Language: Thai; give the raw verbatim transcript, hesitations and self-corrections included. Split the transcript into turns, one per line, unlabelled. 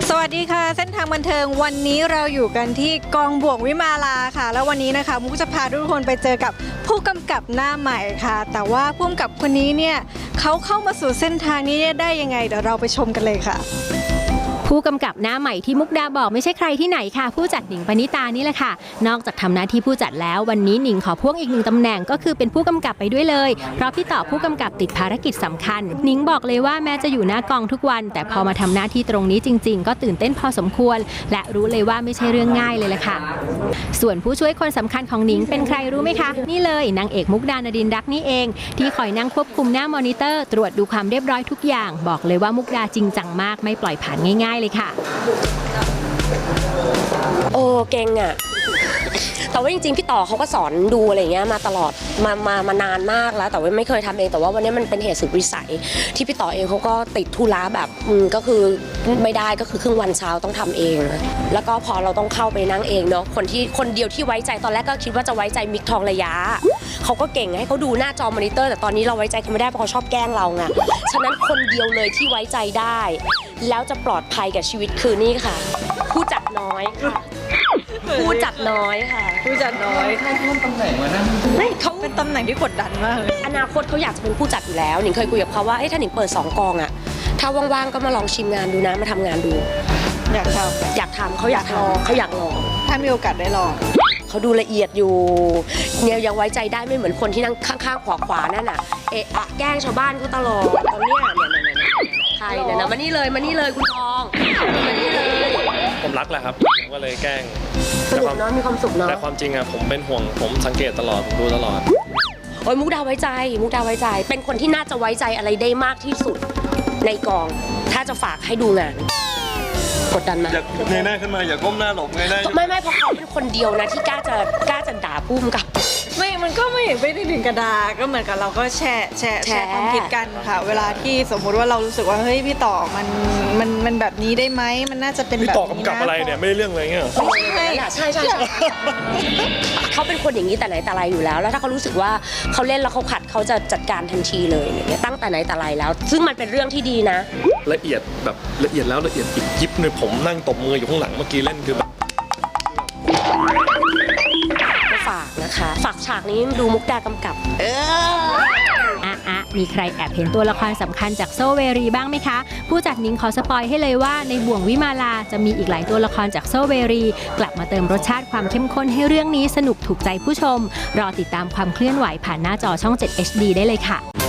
สวัสดีค่ะเส้นทางบันเทิงวันนี้เราอยู่กันที่กองบ่วงวิมาลาค่ะแล้ววันนี้นะคะมุกจะพาทุกคนไปเจอกับผู้กำกับหน้าใหม่ค่ะแต่ว่าผู้กำกับคนนี้เนี่ยเขาเข้ามาสู่เส้นทางนี้ได้ยังไงเดี๋ยวเราไปชมกันเลยค่ะ
ผู้กำกับหน้าใหม่ที่มุกดาบอกไม่ใช่ใครที่ไหนค่ะผู้จัดหนิงปณิตานี่แหละค่ะนอกจากทำหน้าที่ผู้จัดแล้ววันนี้หนิงขอพ่วงอีกหนึ่งตำแหน่งก็คือเป็นผู้กำกับไปด้วยเลยเพราะพี่ต่อผู้กำกับติดภารกิจสำคัญหนิงบอกเลยว่าแม้จะอยู่หน้ากองทุกวันแต่พอมาทำหน้าที่ตรงนี้จริงๆก็ตื่นเต้นพอสมควรและรู้เลยว่าไม่ใช่เรื่องง่ายเลยแหละค่ะส่วนผู้ช่วยคนสำคัญของหนิงเป็นใครรู้ไหมคะนี่เลยนางเอกมุกดานดินรักนี่เองที่คอยนั่งควบคุมหน้ามอนิเตอร์ตรวจดูความเรียบร้อยทุกอย่างบอกเลยว่ามุกดาจริงจังมากไม่ปล่อยผ่านง่ายๆเลยค่ะ
โอ้เก่งอ่ะแต่ว่าจริงๆพี่ต่อเขาก็สอนดูอะไรเงี้ยมาตลอดมามามานานมากแล้วแต่ว่าไม่เคยทำเองแต่ว่าวันนี้มันเป็นเหตุสุดวิสัยที่พี่ต่อเองเขาก็ติดธุระแบบก็คือไม่ได้ก็คือครึ่งวันเช้าต้องทำเองแล้วก็พอเราต้องเข้าไปนั่งเองเนาะคนที่คนเดียวที่ไว้ใจตอนแรกก็คิดว่าจะไว้ใจมิกทองระยะเขาก็เก่งให้เขาดูหน้าจอมอนิเตอร์แต่ตอนนี้เราไว้ใจเขาไม่ได้เพราะเขาชอบแกล้งเราไงฉะนั้นคนเดียวเลยที่ไว้ใจได้แล้วจะปลอดภัยกับชีวิตคือนี่ค่ะผู้จัดน้อยค่ะผู้จัดน้อยค่ะ
ผู้จัดน้อย
เขาเพิ่มตำแหน่งมานะ
ไม่เขาเป็นตำแหน่งที่กดดันมากเลย
อนาคตเขาอยากจะเป็นผู้จัดอยู่แล้วหนิงเคยคุยกับเขาว่าถ้าหนิงเปิดสองกองอะถ้าว่างๆก็มาลองชิมงานดูนะมาทำงานดู
อยากทำ
อยากทำเขาอยากลองเขาอยากลอง
ถ้ามีโอกาสได้ลอง
เขาดูละเอียดอยู่เนี่ยยังไว้ใจได้ไม่เหมือนคนที่นั่งข้างๆขวาๆนั่นน่ะเอะอะแกล้งชาวบ้านเขาตลอดตอนเนี้ยเนี่ยเนี่ยใครเนี่ยนะมานี่เลยมานี่เลยคุณทองมานี่เลย
ผมรักแหละครับก็เลยแกล้ง
สนุกเนาะมีความสุขเนาะ
แต่ความจริงอะผมเป็นห่วงผมสังเกตตลอดผมดูตลอด
โอ้ยมุกดาไว้ใจมุกดาไว้ใจเป็นคนที่น่าจะไว้ใจอะไรได้มากที่สุดในกองถ้าจะฝากให้ดูงานกดดันมา
อย่าเงยหน้าขึ้นมาอย่าก้มหน้าหลบเงยหน้า
ไม่ไม่เพราะเขาเป็นคนเดียวนะที่กล้าจะกล้าจะด่าพุ่มกับ
ไม่มันก็ไม่ไม่ได้ถึงกระดาก็เหมือนกับเราก็แชร์แชร์แชร์ความคิดกันค่ะเวลาที่สมมุติว่าเรารู้สึกว่าเฮ้ยพี่ต่อมันมันมันแบบนี้ได้ไหมมันน่าจะเป็นแบบนี้นะ
พี่ต่อกำกับอะไรเนี่ยไม่ได้เรื่องอะไรเงี้ย
ใช่ใช่ใช่เขาเป็นคนอย่างนี้แต่ไหนแต่ไรอยู่แล้วแล้วถ้าเขารู้สึกว่าเขาเล่นแล้วเขาขัดเขาจะจัดการทันทีเลยเนี่ยตั้งแต่ไหนแต่ไรแล้วซึ่งมันเป็นเรื่องที่ดีนะ
ละเอียดแบบละเอียดแล้วละเอียดอีกยิบเลยผมนั่งตบมืออยู่ข้างหลังเมื่อกี้เล่นคือแบบ
ก็ฝากนะคะฝากฉากนี้ดูมุกดากำกับเออ
อ่ะอ่ะมีใครแอบเห็นตัวละครสำคัญจากโซเวรีบ้างไหมคะผู้จัดหนิงขอสปอยให้เลยว่าในบ่วงวิมาลาจะมีอีกหลายตัวละครจากโซเวรีกลับมาเติมรสชาติความเข้มข้นให้เรื่องนี้สนุกถูกใจผู้ชมรอติดตามความเคลื่อนไหวผ่านหน้าจอช่อง เจ็ด เอช ดี ได้เลยค่ะ